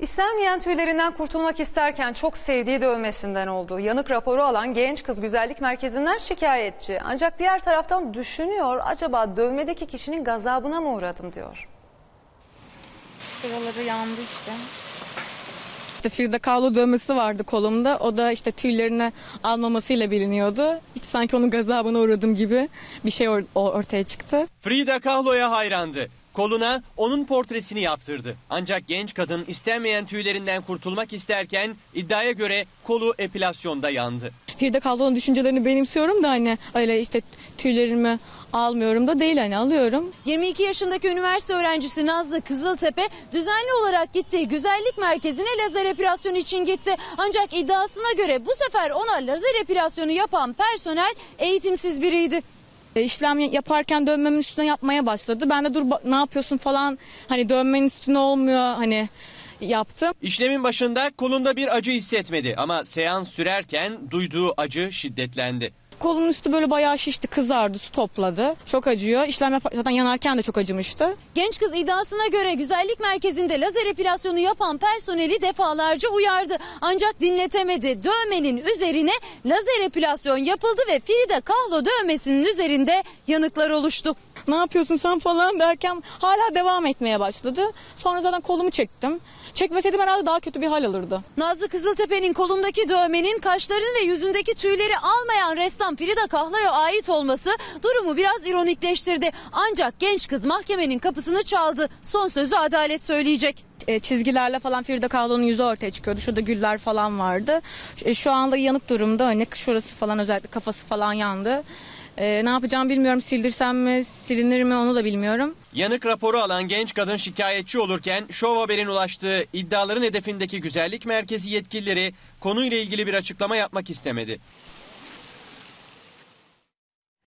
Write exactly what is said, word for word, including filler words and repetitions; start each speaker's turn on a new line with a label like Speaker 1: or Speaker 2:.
Speaker 1: İstenmeyen tüylerinden kurtulmak isterken çok sevdiği dövmesinden oldu. Yanık raporu alan genç kız güzellik merkezinden şikayetçi. Ancak diğer taraftan düşünüyor, acaba dövmedeki kişinin gazabına mı uğradım diyor.
Speaker 2: Şuraları yandı işte. İşte Frida Kahlo dövmesi vardı kolumda. O da işte tüylerini almamasıyla biliniyordu. İşte sanki onun gazabına uğradım gibi bir şey or ortaya çıktı.
Speaker 3: Frida Kahlo'ya hayrandı. Koluna onun portresini yaptırdı. Ancak genç kadın istenmeyen tüylerinden kurtulmak isterken iddiaya göre kolu epilasyonda yandı.
Speaker 2: Frida Kahlo'nun düşüncelerini benimsiyorum da hani öyle işte tüylerimi almıyorum da değil, hani alıyorum.
Speaker 4: yirmi iki yaşındaki üniversite öğrencisi Nazlı Kızıltepe düzenli olarak gittiği güzellik merkezine lazer epilasyonu için gitti. Ancak iddiasına göre bu sefer ona lazer epilasyonu yapan personel eğitimsiz biriydi.
Speaker 2: İşlem yaparken dövmemin üstüne yapmaya başladı. Ben de dur ne yapıyorsun falan, hani dövmenin üstüne olmuyor hani yaptım.
Speaker 3: İşlemin başında kolunda bir acı hissetmedi ama seans sürerken duyduğu acı şiddetlendi.
Speaker 2: Kolun üstü böyle bayağı şişti, kızardı, su topladı. Çok acıyor. İşlem zaten yanarken de çok acımıştı.
Speaker 4: Genç kız iddiasına göre güzellik merkezinde lazer epilasyonu yapan personeli defalarca uyardı. Ancak dinletemedi. Dövmenin üzerine lazer epilasyon yapıldı ve Frida Kahlo dövmesinin üzerinde yanıklar oluştu.
Speaker 2: Ne yapıyorsun sen falan derken hala devam etmeye başladı. Sonra zaten kolumu çektim. Çekmeseydim herhalde daha kötü bir hal alırdı.
Speaker 4: Nazlı Kızıltepe'nin kolundaki dövmenin kaşlarını ve yüzündeki tüyleri almayan ressam Frida Kahlo'ya ait olması durumu biraz ironikleştirdi. Ancak genç kız mahkemenin kapısını çaldı. Son sözü adalet söyleyecek.
Speaker 2: E, çizgilerle falan Frida Kahlo'nun yüzü ortaya çıkıyordu. Şurada güller falan vardı. E, şu anda yanık durumda. Hani şurası falan, özellikle kafası falan yandı. Ee, ne yapacağım bilmiyorum, sildirsem mi silinir mi onu da bilmiyorum.
Speaker 3: Yanık raporu alan genç kadın şikayetçi olurken Show Haber'in ulaştığı iddiaların hedefindeki güzellik merkezi yetkilileri konuyla ilgili bir açıklama yapmak istemedi.